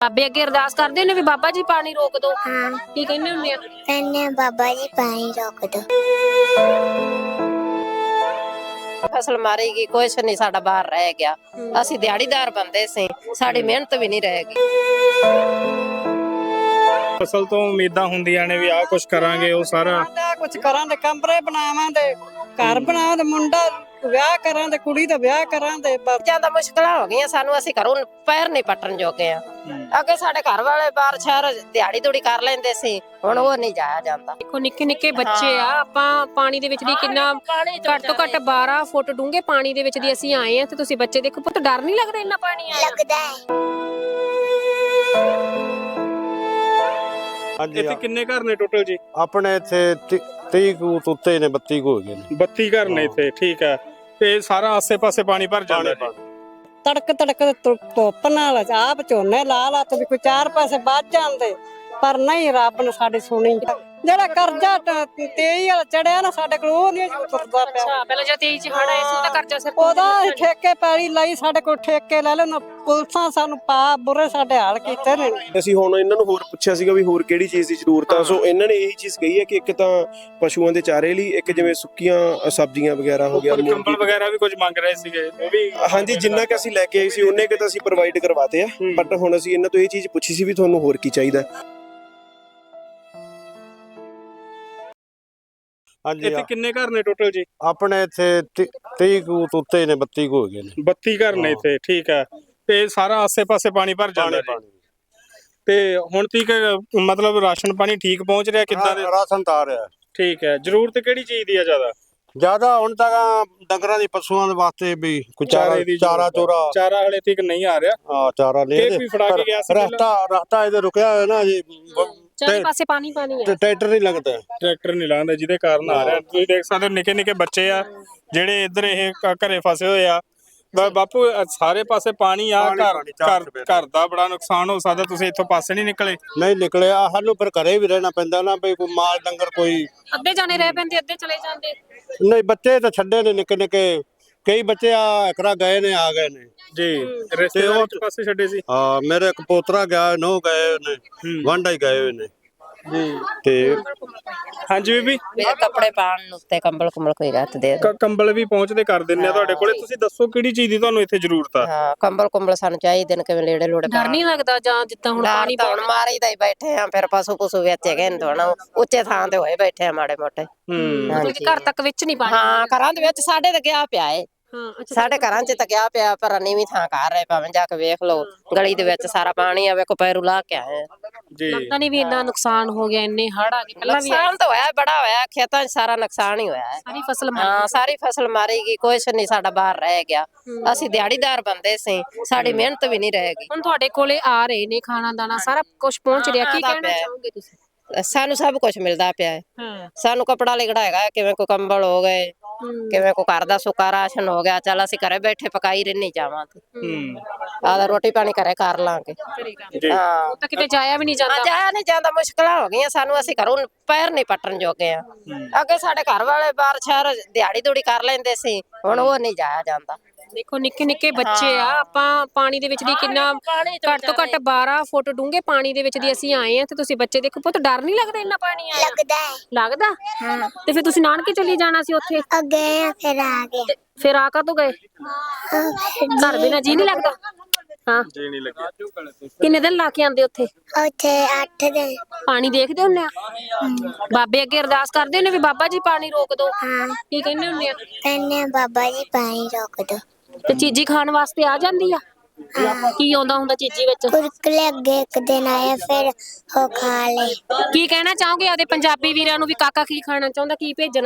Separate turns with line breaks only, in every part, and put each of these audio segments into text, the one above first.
ਬਾਬੇ ਅੱਗੇ ਅਰਦਾਸ ਕਰਦੇ ਨੇ ਵੀ ਬਾਬਾ ਜੀ ਪਾਣੀ ਰੋਕ ਦਿਓ।
हाँ
ਕੀ ਕਹਿੰਦੇ ਹੁੰਦੇ ਆ?
कहने बाबा जी पानी रोक दो।
ਫਸਲ ਮਾਰੇਗੀ ਕੁਛ ਨਹੀਂ ਸਾਡਾ ਬਾਹਰ ਰਹਿ ਗਿਆ। ਅਸੀਂ ਦਿਹਾੜੀਦਾਰ ਬੰਦੇ ਸੀ, ਸਾਡੀ ਮਿਹਨਤ ਵੀ ਨਹੀਂ ਰਹੇਗੀ।
ਫਸਲ ਤੋਂ ਉਮੀਦਾਂ ਹੁੰਦੀਆਂ ਨੇ ਵੀ ਆਹ ਕੁਝ ਕਰਾਂਗੇ, ਉਹ ਸਾਰਾ
ਕੁਝ ਕਰਾਂਗੇ, ਕਮਰੇ ਬਣਾਵਾਂਗੇ, ਘਰ ਬਣਾਵਾਂਗੇ, ਮੁੰਡਾ ਵਿਆਹ ਕਰਾਂਗੇ, ਕੁੜੀ ਦਾ ਵਿਆਹ ਕਰਾਂਗੇ।
ਜਿਆਦਾ ਮੁਸ਼ਕਲਾਂ ਹੋ ਗਈਆਂ ਸਾਨੂੰ, ਅਸੀਂ ਘਰੋਂ ਪੈਰ ਨਹੀਂ ਪੱਟਣ ਜੋਗੇ ਆ। ਅੱਗੇ ਸਾਡੇ ਘਰ ਵਾਲੇ ਬਾਹਰ ਸ਼ਹਿਰ ਦਿਹਾੜੀ ਦੂੜੀ ਕਰ ਲੈਂਦੇ ਸੀ, ਹੁਣ ਉਹ ਨਹੀਂ ਜਾਇਆ ਜਾਂਦਾ।
ਦੇਖੋ ਨਿੱਕੇ ਨਿੱਕੇ ਬੱਚੇ ਆ, ਆਪਾਂ ਪਾਣੀ ਦੇ ਵਿੱਚ ਦੀ ਕਿੰਨਾ ਘੱਟ ਤੋਂ ਘੱਟ 12 ਫੁੱਟ ਡੂੰਘੇ ਪਾਣੀ ਦੇ ਵਿੱਚ ਦੀ ਅਸੀਂ ਆਏ ਆ, ਤੇ ਤੁਸੀਂ ਬੱਚੇ ਦੇਖੋ। ਪੁੱਤ ਡਰ ਨਹੀਂ ਲੱਗਦਾ ਇੰਨਾ ਪਾਣੀ ਆਇਆ?
लगता है
ਹਾਂਜੀ
ਇੱਥੇ ਕਿੰਨੇ ਘਰ ਨੇ ਟੋਟਲ ਜੀ?
ਆਪਣੇ ਇੱਥੇ 30 ਕੁ ਤੋਂ ਉੱਤੇ ਨੇ, 32 ਕੁ ਹੋ ਗਏ ਨੇ।
32 ਘਰ ਨੇ ਇੱਥੇ, ਠੀਕ ਹੈ। ਤੇ ਸਾਰਾ ਆਸੇ-ਪਾਸੇ ਪਾਣੀ ਭਰ ਜਾਂਦਾ ਜੀ।
ਤੜਕ ਤੜਕ ਧੁੱਪ ਨਾਲ ਆਪ ਝੋਨੇ ਲਾ ਲਾ ਤੇ ਵੀ ਕੋਈ 4 ਪੈਸੇ ਬਚ ਜਾਂਦੇ, ਪਰ ਨਹੀਂ, ਰੱਬ ਨੇ ਸਾਡੀ ਸੁਣੀ। ਜਿਹੜਾ ਕਰਜ਼ਾ 23 ਵਾਲਾ ਚੜਿਆ ਨਾ ਸਾਡੇ ਕੋਲ, ਉਹ ਨਹੀਂ ਉਤਰਦਾ ਪਿਆ।
ਅੱਛਾ, ਪਹਿਲਾਂ ਜਦ 23 ਚ ਹੜ ਆਇਆ ਸੀ ਉਹਦਾ ਕਰਜ਼ਾ ਸਿਰ
ਉਹਦਾ ਠੇਕੇ ਪੈਲੀ ਲਈ, ਸਾਡੇ ਕੋਲ ਠੇਕੇ ਲੈ ਲੈਣ, ਪੁਲਸਾਂ ਸਾਨੂੰ ਪਾ ਬੁਰੇ ਸਾਡੇ ਹਾਲ ਕੀਤੇ ਨੇ।
ਅਸੀਂ ਹੁਣ ਇਹਨਾਂ ਨੂੰ ਹੋਰ ਪੁੱਛਿਆ ਸੀਗਾ ਵੀ ਹੋਰ ਕਿਹੜੀ ਚੀਜ਼ ਦੀ ਜ਼ਰੂਰਤ ਆ, ਸੋ ਇਹਨਾਂ ਨੇ ਇਹੀ ਚੀਜ਼ ਕਹੀ ਹੈ ਕਿ ਇੱਕ ਤਾਂ ਪਸ਼ੂਆਂ ਦੇ ਚਾਰੇ ਲਈ, ਇੱਕ ਜਿਵੇਂ ਸੁੱਕੀਆਂ ਸਬਜ਼ੀਆਂ ਵਗੈਰਾ ਹੋ ਗਿਆ,
ਕੰਬਲ ਵਗੈਰਾ ਵੀ ਕੁਝ ਮੰਗ ਰਹੇ ਸੀਗੇ, ਉਹ ਵੀ
ਹਾਂਜੀ ਜਿੰਨਾ ਕਿ ਅਸੀਂ ਲੈ ਕੇ ਆਏ ਸੀ ਉਹਨੇ ਕਿ ਤਾਂ ਅਸੀਂ ਪ੍ਰੋਵਾਈਡ ਕਰਵਾਤੇ ਆ। ਬਟ ਹੁਣ ਅਸੀਂ ਇਹਨਾਂ ਤੋਂ ਇਹ ਚੀਜ਼ ਪੁੱਛੀ ਸੀ ਵੀ ਤੁਹਾਨੂੰ ਹੋਰ ਕੀ ਚਾਹੀਦਾ।
ਹਾਂਜੀ
ਇੱਥੇ ਕਿੰਨੇ ਘਰ ਨੇ ਟੋਟਲ ਜੀ?
ਆਪਣੇ ਇੱਥੇ 30 ਕੁ ਤੋਂ ਉੱਤੇ ਨੇ, 32 ਕੁ ਹੋ ਗਏ ਨੇ।
32 ਘਰ ਨੇ ਇੱਥੇ, ਠੀਕ ਹੈ। ਤੇ ਸਾਰਾ ਆਸੇ-ਪਾਸੇ ਪਾਣੀ ਭਰ ਜਾਂਦਾ ਜੀ। ਤੇ ਹੁਣ ਤੀਕ ਮਤਲਬ ਰਾਸ਼ਨ ਪਾਣੀ ਠੀਕ ਪਹੁੰਚ ਰਿਹਾ ਕਿੱਦਾਂ ਦੇ?
ਰਾਸ਼ਨ ਤਾਂ ਆ ਰਿਹਾ।
ਠੀਕ ਹੈ। ਜ਼ਰੂਰਤ ਕਿਹੜੀ ਚੀਜ਼ ਦੀ ਆ ਜ਼ਿਆਦਾ?
ਜਿਆਦਾ ਹੁਣ ਤੱਕ ਡੰਗਰਾਂ ਦੀ, ਪਸ਼ੂਆਂ ਦੇ ਵਾਸਤੇ ਵੀ ਕੋਈ ਚਾਰਾ ਚੋਰਾ।
ਚਾਰਾ ਹਲੇ ਤੀਕ ਨਹੀਂ ਆ ਰਿਹਾ।
ਹਾਂ, ਚਾਰਾ ਲੈ
ਇਹ ਵੀ ਫੜਾ ਕੇ ਗਿਆ ਸੀ
ਰਸਤਾ ਇਹਦੇ ਰੁਕਿਆ ਹੋਇਆ ਨਾ ਜੀ,
ਚਾਰੇ ਪਾਸੇ ਪਾਣੀ ਪਾਣੀ ਆ।
ਟਰੈਕਟਰ ਨਹੀਂ ਲੱਗਦਾ।
ਟਰੈਕਟਰ ਨਹੀਂ ਲਾਉਂਦਾ, ਜਿਹਦੇ ਕਾਰਨ ਆ ਰਿਹਾ। ਤੁਸੀਂ ਦੇਖ ਸਕਦੇ ਹੋ ਨਿੱਕੇ ਨਿੱਕੇ ਬੱਚੇ ਆ ਜਿਹੜੇ ਇੱਧਰ ਇਹ ਘਰੇ ਫਸੇ ਹੋਏ ਆ। ਬਾਪੂ ਸਾਰੇ ਪਾਸੇ ਪਾਣੀ ਆ, ਘਰ ਦਾ ਬੜਾ ਨੁਕਸਾਨ ਹੋ ਸਕਦਾ। ਤੁਸੀਂ ਇੱਥੋਂ ਪਾਸੇ ਨਹੀਂ ਨਿਕਲੇ?
ਨਹੀਂ ਨਿਕਲਿਆ, ਸਾਨੂੰ ਪਰ ਘਰੇ ਵੀ ਰਹਿਣਾ ਪੈਂਦਾ ਨਾ, ਬਈ ਕੋਈ ਮਾਲ ਡੰਗਰ ਕੋਈ।
ਅੱਧੇ ਜਾਣੇ ਰਹਿ ਪੈਂਦੇ, ਅੱਧੇ ਚਲੇ ਜਾਂਦੇ।
ਨਹੀਂ, ਬੱਚੇ ਤਾਂ ਛੱਡੇ ਨੇ ਨਿੱਕੇ ਨਿੱਕੇ, ਕਈ ਬੱਚੇ ਆ ਇਕਰਾ ਗਏ ਨੇ, ਆ ਗਏ ਨੇ
ਜੀ। ਰਿਸ਼ਤੇਦਾਰ ਇੱਕ ਪਾਸੇ ਛੱਡੇ ਸੀ।
ਹਾਂ, ਮੇਰੇ ਇੱਕ ਪੋਤਰਾ ਗਿਆ, 9 ਗਏ ਨੇ, ਵਾਂਡਾ ਹੀ ਗਏ ਹੋਏ ਨੇ
ਜੀ।
ਤੇ
ਹਾਂਜੀ ਬੀਬੀ,
ਮੇਰੇ ਕੱਪੜੇ ਪਾਉਣ ਨੂੰ ਤੇ ਕੰਬਲ ਕੁੰਬਲ ਕੋਈ ਰੱਤ ਦੇ ਦਿਓ।
ਕੰਬਲ ਵੀ ਪਹੁੰਚਦੇ ਕਰ ਦਿੰਨੇ ਆ ਤੁਹਾਡੇ ਕੋਲੇ। ਤੁਸੀਂ ਦੱਸੋ ਕਿਹੜੀ ਚੀਜ਼ ਦੀ ਤੁਹਾਨੂੰ ਇੱਥੇ ਜ਼ਰੂਰਤ ਆ?
ਹਾਂ, ਕੰਬਲ ਕੁੰਬਲ ਸਾਨੂੰ ਚਾਹੀਦੇ ਨੇ, ਕਿਵੇਂ ਲੇੜੇ ਲੋੜੇ
ਡਰ ਨਹੀਂ ਲੱਗਦਾ ਜਾਂ ਜਿੱਦਾਂ ਹੁਣ ਪਾਣੀ
ਹੁਣ ਮਾਰੀ ਦਾ ਹੀ ਬੈਠੇ ਆ, ਫਿਰ ਪਸ਼ੂ ਪਸ਼ੂ ਵਿੱਚ ਹੈਗੇ ਨੇ, ਥੋੜਾ ਉੱਚੇ ਥਾਂ ਤੇ ਹੋਏ ਬੈਠੇ ਆ ਮਾੜੇ ਮੋਟੇ।
ਮਤਲਬ ਘਰ ਤੱਕ ਵਿੱਚ ਨਹੀਂ ਪਾਣੀ?
ਹਾਂ, ਘਰਾਂ ਦੇ ਵਿੱਚ ਸਾਡੇ ਤੇ ਗਿਆ ਪਿਆ ਏ।
ਹਾਂ, ਅੱਛਾ।
ਸਾਡੇ ਘਰਾਂ 'ਚ ਤਾਂ ਗਿਆ ਪਿਆ, ਪਰ ਨੀਵੀਂ ਥਾਂ ਕਰ ਰਹੇ, ਭਾਵੇਂ ਜਾ ਕੇ ਵੇਖ ਲਓ, ਗਲੀ ਦੇ ਵਿੱਚ ਸਾਰਾ ਪਾਣੀ ਆ, ਵੇਖੋ ਪੈਰੂ ਲਾ ਕੇ ਆਏ
ਜੀ।
ਲੱਗਦਾ ਨਹੀਂ ਵੀ ਇੰਨਾ ਨੁਕਸਾਨ ਹੋ ਗਿਆ, ਇੰਨੇ ਹੜ ਆ ਗਏ। ਪਹਿਲਾਂ ਵੀ
ਨੁਕਸਾਨ ਤਾਂ ਹੋਇਆ, ਬੜਾ ਹੋਇਆ, ਖੇਤਾਂ 'ਚ ਸਾਰਾ ਨੁਕਸਾਨ ਹੀ ਹੋਇਆ ਹੈ।
ਸਾਰੀ ਫਸਲ
ਹਾਂ, ਸਾਰੀ ਫਸਲ ਮਾਰੇਗੀ, ਕੁਛ ਨਹੀਂ ਸਾਡਾ ਬਾਹਰ ਰਹਿ ਗਿਆ। ਅਸੀਂ ਦਿਹਾੜੀਦਾਰ ਬੰਦੇ ਸੀ, ਸਾਡੀ ਮਿਹਨਤ ਵੀ ਨਹੀਂ ਰਹੇਗੀ।
ਹੁਣ ਤੁਹਾਡੇ ਕੋਲੇ ਆ ਰਹੇ ਨੇ, ਖਾਣਾ ਦਾਣਾ ਸਾਰਾ ਕੁਝ ਪਹੁੰਚ ਰਿਹਾ, ਕੀ ਕਹਿਣਾ ਚਾਹੋਗੇ ਤੁਸੀਂ?
ਸਾਨੂੰ ਸਭ ਕੁਝ ਮਿਲਦਾ ਪਿਆ ਹੈ।
ਹਾਂ,
ਸਾਨੂੰ ਕੱਪੜਾ ਲਿਗੜਾ ਹੈਗਾ, ਕਿਵੇਂ ਕੋਈ ਕੰਬਲ ਹੋ ਗਏ, ਕਿਵੇਂ ਕੋਈ ਘਰ ਦਾ ਸੁੱਕਾ ਰਾਸ਼ਨ ਹੋ ਗਿਆ। ਚੱਲ ਅਸੀਂ ਘਰੇ ਬੈਠੇ ਪਕਾਈ ਰਹਿਣੀ ਜਾਵਾਂ ਤੇ ਆਦਾ ਰੋਟੀ ਪਾਣੀ ਘਰੇ ਕਰ ਲਾਂਗੇ। ਹਾਂ,
ਤਾਂ ਕਿਤੇ ਜਾਇਆ ਵੀ ਨਹੀਂ ਜਾਂਦਾ।
ਜਾਇਆ ਨਹੀਂ ਜਾਂਦਾ, ਮੁਸ਼ਕਲਾਂ ਹੋ ਗਈਆਂ ਸਾਨੂੰ, ਅਸੀਂ ਘਰੋਂ ਪੈਰ ਨਹੀਂ ਪੱਟਣ ਜੋਗੇ ਆ। ਅੱਗੇ ਸਾਡੇ ਘਰ ਵਾਲੇ ਬਾਹਰ ਸ਼ਹਿਰ ਦਿਹਾੜੀ ਦੂੜੀ ਕਰ ਲੈਂਦੇ ਸੀ, ਹੁਣ ਉਹ ਨਹੀਂ ਜਾਇਆ ਜਾਂਦਾ।
ਦੇਖੋ ਨਿੱਕੇ ਨਿੱਕੇ ਬੱਚੇ ਆ, ਆਪਾਂ ਪਾਣੀ ਦੇ ਵਿੱਚ ਦੀ ਕਿੰਨਾ ਘੱਟ ਤੋਂ ਘੱਟ 12 ਫੁੱਟ ਡੂੰਘੇ ਪਾਣੀ ਦੇ ਵਿੱਚ ਦੀ ਅਸੀਂ ਆਏ ਆ, ਤੇ ਤੁਸੀਂ ਬੱਚੇ ਦੇਖੋ। ਪੁੱਤ ਡਰ ਨਹੀਂ ਲੱਗਦਾ ਇੰਨਾ ਪਾਣੀ ਆਇਆ?
लगता है
ਲੱਗਦਾ। ਤੇ ਫਿਰ ਤੁਸੀਂ ਨਾਨਕੇ ਚਲੀ ਜਾਣਾ ਸੀ ਉੱਥੇ,
गए फिर आ गए।
ਫਿਰ ਆ ਕਦੋਂ ਗਏ? ਘਰ ਬਿਨਾਂ ਜੀ ਨਹੀਂ ਲੱਗਦਾ? ਹਾਂ,
ਜੀ ਨਹੀਂ ਲੱਗਿਆ।
ਕਿੰਨੇ ਦਿਨ ਲਾ ਕੇ ਆਂਦੇ ਉੱਥੇ?
उठे 8 दिन।
ਪਾਣੀ ਦੇਖਦੇ ਹੁੰਦੇ ਆ? ਬਾਬੇ ਅੱਗੇ ਅਰਦਾਸ ਕਰਦੇ ਨੇ ਵੀ ਬਾਬਾ ਜੀ ਪਾਣੀ ਰੋਕ ਦਿਓ।
हाँ
ਕੀ ਕਹਿੰਦੇ ਹੁੰਦੇ ਆ?
कहने बाबा जी पानी रोक दो।
ਤੇ ਚੀਜ਼ੀ ਖਾਣ ਵਾਸਤੇ ਆ ਜਾਂਦੀ ਆ? ਕੀ ਆਉਂਦਾ ਹੁੰਦਾ ਚੀਜ਼ੀ ਵਿੱਚ?
कुरकुरे अगे एक दिन आए फिर वो खा ले।
ਕੀ ਕਹਿਣਾ ਚਾਹੋਗੇ ਆਦੇ ਪੰਜਾਬੀ ਵੀਰਾਂ ਨੂੰ ਵੀ ਕਾਕਾ ਕੀ ਖਾਣਾ ਚਾਹੁੰਦਾ, ਕੀ ਭੇਜਣ?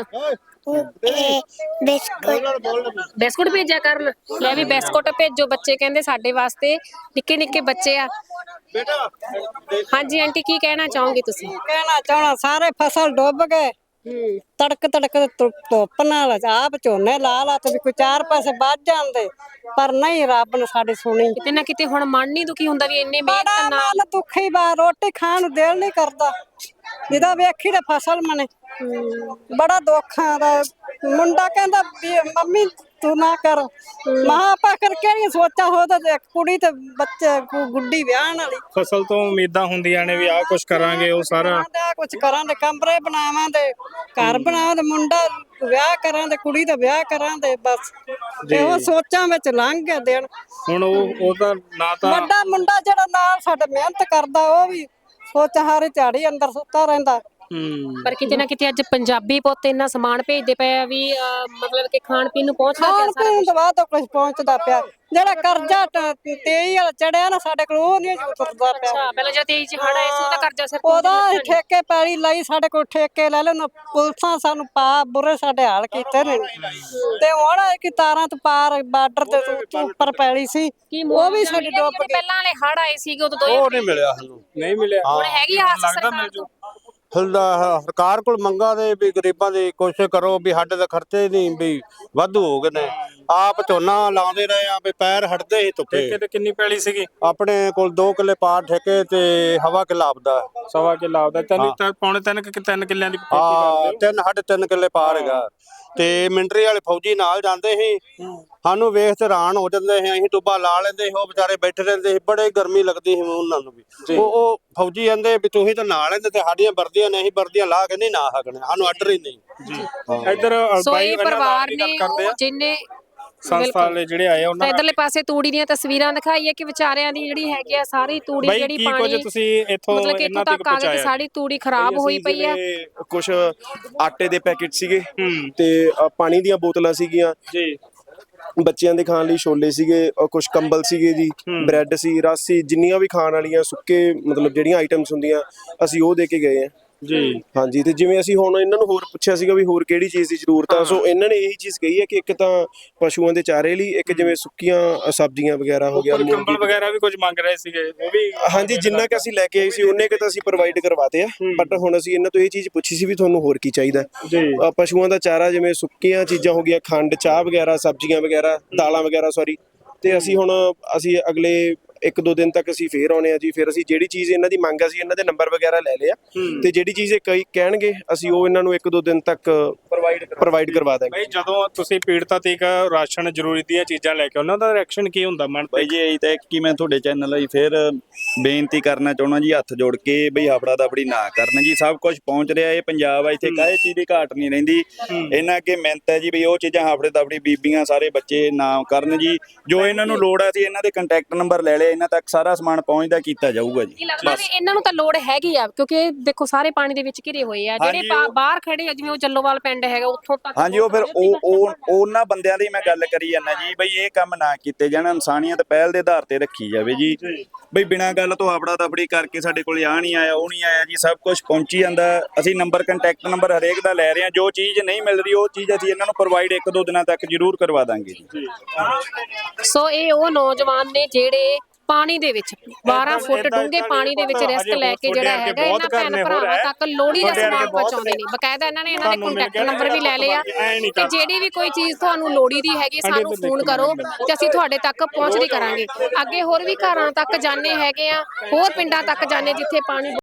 बिस्कुट।
ਬਿਸਕੁਟ ਭੇਜਿਆ ਕਰਨ। ਲੈ ਵੀ ਬਿਸਕੁਟ ਭੇਜੋ, ਬੱਚੇ ਕਹਿੰਦੇ ਸਾਡੇ ਵਾਸਤੇ, ਨਿੱਕੇ ਨਿੱਕੇ ਬੱਚੇ ਆ। ਹਾਂਜੀ ਆਂਟੀ, ਕੀ ਕਹਿਣਾ ਚਾਹੋਗੇ ਤੁਸੀਂ?
ਕਹਿਣਾ ਚਾਹਣਾ, ਸਾਰੇ ਫਸਲ ਡੁੱਬ ਗਏ। ਤੜਕ ਤੜਕ ਧੁੱਪ ਨਾਲ ਆਪ ਝੋਨੇ ਲਾ ਲਾ ਤੇ ਵੀ ਕੋਈ 4 ਪੈਸੇ ਬਚ ਜਾਂਦੇ, ਪਰ ਨਹੀਂ, ਰੱਬ ਨੇ ਸਾਡੀ ਸੁਣੀ।
ਕਿਤੇ ਨਾ ਕਿਤੇ ਹੁਣ ਮਨ ਨਹੀਂ ਦੁਖੀ ਹੁੰਦਾ ਵੀ ਇੰਨੇ ਮਿਹਨਤ
ਬੜਾ
ਨਾਲ?
ਮਨ ਦੁਖੀ ਬਾ, ਰੋਟੀ ਖਾਣ ਨੂੰ ਦਿਲ ਨਹੀਂ ਕਰਦਾ ਜਿਹਦਾ ਵੇਖੀ ਤੇ ਫਸਲ ਮਨੇ। ਬੜਾ ਦੁੱਖ ਆਦਾ। ਮੁੰਡਾ ਕਹਿੰਦਾ ਵੀ ਮੰਮੀ ਤੂੰ ਨਾ ਕਰ। ਮਾਂ ਆਪਾਂ ਕਰ ਕਿਹੜੀਆਂ ਸੋਚਾਂ ਹੋ ਤਾਂ ਇੱਕ ਕੁੜੀ ਤੇ ਬੱਚੇ ਗੁੱਡੀ ਵਿਆਹਣ ਵਾਲੀ।
ਫਸਲ ਤੋਂ ਉਮੀਦਾਂ ਹੁੰਦੀਆਂ ਨੇ ਵੀ ਆਹ ਕੁਝ ਕਰਾਂਗੇ, ਉਹ ਸਾਰਾ
ਕੁਝ ਕਰਾਂਗੇ, ਕਮਰੇ ਬਣਾਵਾਂਗੇ, ਘਰ ਬਣਾਵਾਂਗੇ, ਮੁੰਡਾ ਵਿਆਹ ਕਰਾਂਗੇ, ਕੁੜੀ ਦਾ ਵਿਆਹ ਕਰਾਂਗੇ, ਬਸ ਇਹੋ ਸੋਚਾਂ ਵਿੱਚ ਲੰਘ ਗਏ ਦਿਨ।
ਹੁਣ ਉਹ ਤਾਂ ਨਾ ਤਾਂ
ਵੱਡਾ ਮੁੰਡਾ ਜਿਹੜਾ ਨਾਲ ਸਾਡੇ ਮਿਹਨਤ ਕਰਦਾ ਉਹ ਵੀ ਸੋਚ ਹਾਰੇ ਝਾੜੀ ਅੰਦਰ ਸੁੱਤਾ ਰਹਿੰਦਾ।
ਪਰ ਕਿਤੇ ਨਾ ਕਿਤੇ ਅੱਜ ਪੰਜਾਬੀ ਪੁੱਤ ਇੰਨਾ ਸਮਾਨ ਭੇਜਦੇ ਪਏ ਆ ਵੀ ਮਤਲਬ ਕਿ ਖਾਣ ਪੀਣ ਨੂੰ ਪਹੁੰਚਦਾ ਪਿਆ
ਖਾਣ ਪੀਣ ਤੋਂ ਬਾਅਦ ਕੁਝ ਪਹੁੰਚਦਾ ਪਿਆ। ਜਿਹੜਾ ਕਰਜ਼ਾ 23 ਵਾਲਾ ਚੜਿਆ ਨਾ ਸਾਡੇ ਕੋਲ ਉਹ ਨਹੀਂ ਉਤਰਦਾ ਪਿਆ।
ਅੱਛਾ, ਪਹਿਲਾਂ ਜਦ 23 ਚ ਹੜ ਆਏ ਸੀ ਉਹਦਾ ਕਰਜ਼ਾ ਸਿਰ
ਉਹਦਾ ਠੇਕੇ ਪੈਲੀ ਲਈ ਸਾਡੇ ਕੋਲ ਠੇਕੇ ਲੈ ਲੈਣ ਪੁਲਿਸਾਂ ਸਾਨੂੰ ਪਾ ਬੁਰੇ ਸਾਡੇ ਹਾਲ ਕੀਤੇ ਨੇ। ਤੇ ਹੁਣ ਕਿ ਤਾਰਾਂ ਤੋਂ ਪਾਰ ਬਾਰਡਰ ਤੇ ਉੱਪਰ ਪੈਲੀ ਸੀ ਉਹ ਵੀ ਸਾਡੀ ਡੁੱਬ ਗਈ।
ਪਹਿਲਾਂ ਵਾਲੇ ਹੜ ਆਏ ਸੀਗੇ ਉਦੋਂ
ਉਹ ਨਹੀਂ ਮਿਲਿਆ ਸਾਨੂੰ।
ਨਹੀਂ ਮਿਲਿਆ।
ਹੁਣ ਹੈਗੀ ਆਸ
ਲੱਗਦਾ ਮਿਲ ਜੂ।
ਸਰਕਾਰ ਕੋਲ ਮੰਗਾਂ ਦੇ ਵੀ ਗਰੀਬਾਂ ਦੀ ਕੋਸ਼ਿਸ਼ ਕਰੋ ਵੀ ਸਾਡੇ ਤਾਂ ਖਰਚੇ ਨਹੀਂ ਵੀ ਵਾਧੂ ਹੋ ਗਏ ਨੇ। ਆਪ ਝੋਨਾ ਲਾਉਂਦੇ ਰਹੇ ਆ ਵੀ ਪੈਰ ਹਟਦੇ ਹੀ ਧੁੱਪੇ।
ਠੇਕੇ ਤੇ ਕਿੰਨੀ ਪੈਲੀ ਸੀਗੀ?
ਆਪਣੇ ਕੋਲ 2 ਕਿੱਲੇ ਪਾਰ ਠੇਕੇ ਤੇ ਹਵਾ ਕਿੱਲਾ ਆਪਦਾ।
ਸਵਾ ਕਿੱਲਾ ਆਪਦਾ। ਪੌਣੇ 3 ਕਿੱਲਿਆਂ ਦੀ ਖੇਤੀ
ਹਾਂ,
ਕਰਦੇ ਹੋ?
3.5 ਕਿੱਲੇ ਪਾਰ ਹੈਗਾ। ਤੇ ਮਿਲਟਰੀ ਵਾਲੇ ਫੌਜੀ ਨਾਲ ਜਾਂਦੇ ਸੀ, ਸਾਨੂੰ ਵੇਖ ਤੇ ਹੈਰਾਨ ਹੋ ਜਾਂਦੇ ਸੀ। ਅਸੀਂ ਟੁੱਬਾ ਲਾ ਲੈਂਦੇ ਸੀ, ਉਹ ਵਿਚਾਰੇ ਬੈਠੇ ਰਹਿੰਦੇ ਸੀ, ਬੜੇ ਗਰਮੀ ਲੱਗਦੀ ਸੀ ਉਹਨਾਂ ਨੂੰ ਵੀ। ਉਹ ਫੌਜੀ ਕਹਿੰਦੇ ਵੀ ਤੁਸੀਂ ਤਾਂ ਨਾਲ ਲੈਂਦੇ ਤੇ ਸਾਡੀਆਂ ਵਰਦੀਆਂ ਨੇ, ਅਸੀਂ ਵਰਦੀਆਂ ਲਾ ਕੇ ਨਹੀਂ ਨਾ ਸਕਣੇ, ਸਾਨੂੰ ਆਰਡਰ ਹੀ ਨਹੀਂ
ਜੀ। ਇੱਧਰ
ਸੋ ਇਹ ਪਰਿਵਾਰ ਨੇ ਜਿੰਨੇ
ਸੰਸਥਾ ਵਾਲੇ ਜਿਹੜੇ ਆਏ ਉਹਨਾਂ
ਇਧਰਲੇ ਪਾਸੇ ਤੂੜੀ ਦੀਆਂ ਤਸਵੀਰਾਂ ਦਿਖਾਈ ਹੈ ਕਿ ਵਿਚਾਰਿਆਂ ਦੀ ਜਿਹੜੀ ਹੈਗੀ ਆ ਸਾਰੀ ਤੂੜੀ ਜਿਹੜੀ ਪਾਣੀ
ਤੁਸੀਂ ਇੱਥੋਂ
ਮਤਲਬ ਕਿ ਇੱਥੋਂ ਤੱਕ ਆ ਗਈ ਸਾਰੀ ਤੂੜੀ ਖਰਾਬ ਹੋਈ ਪਈ ਆ।
ਕੁਝ ਆਟੇ ਦੇ ਪੈਕੇਟ ਸੀਗੇ ਤੇ ਪਾਣੀ ਦੀਆਂ ਬੋਤਲਾਂ ਸੀਗੀਆਂ
ਜੀ,
ਬੱਚਿਆਂ ਦੇ ਖਾਣ ਲਈ ਛੋਲੇ ਸੀਗੇ, ਕੁਝ ਕੰਬਲ ਸੀਗੇ ਜੀ, ਬ੍ਰੈਡ ਸੀ, ਰਸ ਸੀ, ਜਿੰਨੀਆਂ ਵੀ ਖਾਣ ਵਾਲੀਆਂ ਸੁੱਕੇ ਮਤਲਬ ਜਿਹੜੀਆਂ ਆਈਟਮਸ ਹੁੰਦੀਆਂ ਅਸੀਂ ਉਹ ਦੇ ਕੇ ਗਏ ਆ
ਜੀ।
ਹਾਂਜੀ। ਤੇ ਜਿਵੇਂ ਅਸੀਂ ਹੁਣ ਇਹਨਾਂ ਨੂੰ ਹੋਰ ਪੁੱਛਿਆ ਸੀਗਾ ਵੀ ਹੋਰ ਕਿਹੜੀ ਚੀਜ਼ ਦੀ ਜ਼ਰੂਰਤ ਆ, ਸੋ ਇਹਨਾਂ ਨੇ ਇਹੀ ਚੀਜ਼ ਕਹੀ ਹੈ ਕਿ ਇੱਕ ਤਾਂ ਪਸ਼ੂਆਂ ਦੇ ਚਾਰੇ ਲਈ, ਇੱਕ ਜਿਵੇਂ ਸੁੱਕੀਆਂ ਸਬਜ਼ੀਆਂ ਵਗੈਰਾ ਹੋ ਗਿਆ,
ਕੰਬਲ ਵਗੈਰਾ ਵੀ ਕੁਝ ਮੰਗ ਰਹੇ ਸੀਗੇ ਉਹ ਵੀ।
ਹਾਂਜੀ, ਜਿੰਨਾ ਕਿ ਅਸੀਂ ਲੈ ਕੇ ਆਏ ਸੀ ਉਹਨੇ ਕਿ ਤਾਂ ਅਸੀਂ ਪ੍ਰੋਵਾਈਡ ਕਰਵਾਤੇ ਆ। ਬਟ ਹੁਣ ਅਸੀਂ ਇਹਨਾਂ ਤੋਂ ਇਹ ਚੀਜ਼ ਪੁੱਛੀ ਸੀ ਵੀ ਤੁਹਾਨੂੰ ਹੋਰ ਕੀ ਚਾਹੀਦਾ। ਪਸ਼ੂਆਂ ਦਾ ਚਾਰਾ ਜਿਵੇਂ ਸੁੱਕੀਆਂ ਚੀਜ਼ਾਂ ਹੋ ਗਈਆਂ, ਖੰਡ, ਚਾਹ ਵਗੈਰਾ, ਸਬਜ਼ੀਆਂ ਵਗੈਰਾ, ਦਾਲਾਂ ਵਗੈਰਾ, ਸੌਰੀ। ਤੇ ਅਸੀਂ ਹੁਣ ਅਗਲੇ 1-2 ਦਿਨ ਤੱਕ ਅਸੀਂ ਫੇਰ ਆਉਣੇ ਆ ਜੀ। ਫਿਰ ਅਸੀਂ ਜਿਹੜੀ ਚੀਜ਼ ਇਹਨਾਂ ਦੀ ਮੰਗ ਆ ਸੀ ਇਹਨਾਂ ਦੇ ਨੰਬਰ ਵਗੈਰਾ ਲੈ ਲਿਆ ਤੇ ਜਿਹੜੀ ਚੀਜ਼ ਇਹ ਕਹਿਣਗੇ ਅਸੀਂ ਉਹ ਇਹਨਾਂ ਨੂੰ 1-2 ਦਿਨ ਤੱਕ ਪ੍ਰੋਵਾਈਡ ਕਰਵਾ ਦਾਂਗੇ।
ਭਾਈ ਜਦੋਂ ਤੁਸੀਂ ਪੀੜਤਾਂ ਤੱਕ ਰਾਸ਼ਨ ਜ਼ਰੂਰੀ ਦੀਆਂ ਚੀਜ਼ਾਂ ਲੈ ਕੇ ਉਹਨਾਂ ਦਾ ਰਿਐਕਸ਼ਨ ਕੀ ਹੁੰਦਾ ਮਨ?
ਭਾਈ ਜੀ ਇਹੀ ਤਾਂ ਕਿ ਮੈਂ ਤੁਹਾਡੇ ਚੈਨਲ ਲਈ ਫਿਰ ਬੇਨਤੀ ਕਰਨਾ ਚਾਹੁੰਦਾ ਜੀ, ਹੱਥ ਜੋੜ ਕੇ ਬਈ ਹਫੜਾ ਦਫੜੀ ਨਾ ਕਰਨ ਜੀ। ਸਭ ਕੁਝ ਪਹੁੰਚ ਰਿਹਾ, ਇਹ ਪੰਜਾਬ ਆ, ਇੱਥੇ ਕਾਹੇ ਚੀਜ਼ ਦੀ ਘਾਟ ਨਹੀਂ ਰਹਿੰਦੀ। ਇਹਨਾਂ ਅੱਗੇ ਮਿਹਨਤ ਹੈ ਜੀ ਵੀ ਉਹ ਚੀਜ਼ਾਂ ਹਫੜੇ ਦਫੜੀ ਬੀਬੀਆਂ ਸਾਰੇ ਬੱਚੇ ਨਾ ਕਰਨ ਜੀ। ਜੋ ਇਹਨਾਂ ਨੂੰ ਲੋੜ ਆ ਸੀ ਇਹਨਾਂ ਦੇ ਕੰਟੈਕਟ ਨੰਬਰ ਲੈ ਲਿਆ, ਇਹਨਾਂ ਤੱਕ ਸਾਰਾ ਸਮਾਨ ਪਹੁੰਚਦਾ ਕੀਤਾ ਜਾਊਗਾ ਜੀ।
ਲੱਗਦਾ ਵੀ ਇਹਨਾਂ ਨੂੰ ਤਾਂ ਲੋੜ ਹੈਗੀ ਆ ਕਿਉਂਕਿ ਦੇਖੋ ਸਾਰੇ ਪਾਣੀ ਦੇ ਵਿੱਚ ਘਿਰੇ ਹੋਏ ਆ। ਜਿਹੜੇ ਬਾਹਰ ਖੜੇ ਆ ਜਿਵੇਂ ਉਹ ਜੱਲੋਵਾਲ ਪਿੰਡ ਹੈਗਾ ਉੱਥੋਂ ਤੱਕ।
ਹਾਂਜੀ, ਉਹ ਫਿਰ ਉਹ ਉਹਨਾਂ ਬੰਦਿਆਂ ਦੀ ਮੈਂ ਗੱਲ ਕਰੀ ਜਾਂਦਾ ਜੀ ਬਈ ਇਹ ਕੰਮ ਨਾ ਕੀਤੇ ਜਾਣ, ਇਨਸਾਨੀਅਤ ਪਹਿਲ ਦੇ ਆਧਾਰ ਤੇ ਰੱਖੀ ਜਾਵੇ ਜੀ। ਬਈ ਬਿਨਾਂ ਗੱਲ ਤੋਂ ਹਫੜਾ ਦਫੜੀ ਕਰਕੇ ਸਾਡੇ ਕੋਲ ਆ ਨਹੀਂ ਆਇਆ, ਉਹ ਨਹੀਂ ਆਇਆ ਜੀ, ਸਭ ਕੁਝ ਪਹੁੰਚੀ ਜਾਂਦਾ। ਅਸੀਂ ਨੰਬਰ ਕੰਟੈਕਟ ਨੰਬਰ ਹਰੇਕ ਦਾ ਲੈ ਰਹੇ ਹਾਂ। ਜੋ ਚੀਜ਼ ਨਹੀਂ ਮਿਲ ਰਹੀ ਉਹ ਚੀਜ਼ ਅਸੀਂ ਇਹਨਾਂ ਨੂੰ ਪ੍ਰੋਵਾਈਡ 1-2 ਦਿਨਾਂ ਤੱਕ ਜ਼ਰੂਰ ਕਰਵਾ ਦਾਂਗੇ ਜੀ।
ਸੋ ਇਹ ਉਹ ਨੌਜਵਾਨ ਨੇ ਜਿਹੜੇ ਪਾਣੀ ਦੇ ਵਿੱਚ 12 ਫੁੱਟ ਡੂੰਘੇ ਪਾਣੀ ਦੇ ਵਿੱਚ ਰਿਸਕ ਲੈ ਕੇ ਜਿਹੜਾ ਹੈਗਾ ਇਹਨਾਂ ਭੈਣ ਭਰਾਵਾਂ ਤੱਕ ਲੋੜੀ ਦਾ ਸਮਾਨ ਪਹੁੰਚਾਉਂਦੇ ਨੇ। ਬਕਾਇਦਾ ਇਹਨਾਂ ਨੇ ਇਹਨਾਂ ਦੇ ਕੰਟੈਕਟ ਨੰਬਰ ਵੀ ਲੈ ਲਿਆ ਕਿ ਜਿਹੜੀ ਵੀ ਕੋਈ ਚੀਜ਼ ਤੁਹਾਨੂੰ ਲੋੜੀ ਦੀ ਹੈਗੀ ਸਾਨੂੰ ਫੋਨ ਕਰੋ ਤੇ ਅਸੀਂ ਤੁਹਾਡੇ ਤੱਕ ਪਹੁੰਚਦੀ ਕਰਾਂਗੇ। ਅੱਗੇ ਹੋਰ ਵੀ ਘਰਾਂ ਤੱਕ ਜਾਣੇ ਹੈਗੇ ਆ, ਹੋਰ ਪਿੰਡਾਂ ਤੱਕ ਜਾਣੇ ਜਿੱਥੇ ਪਾਣੀ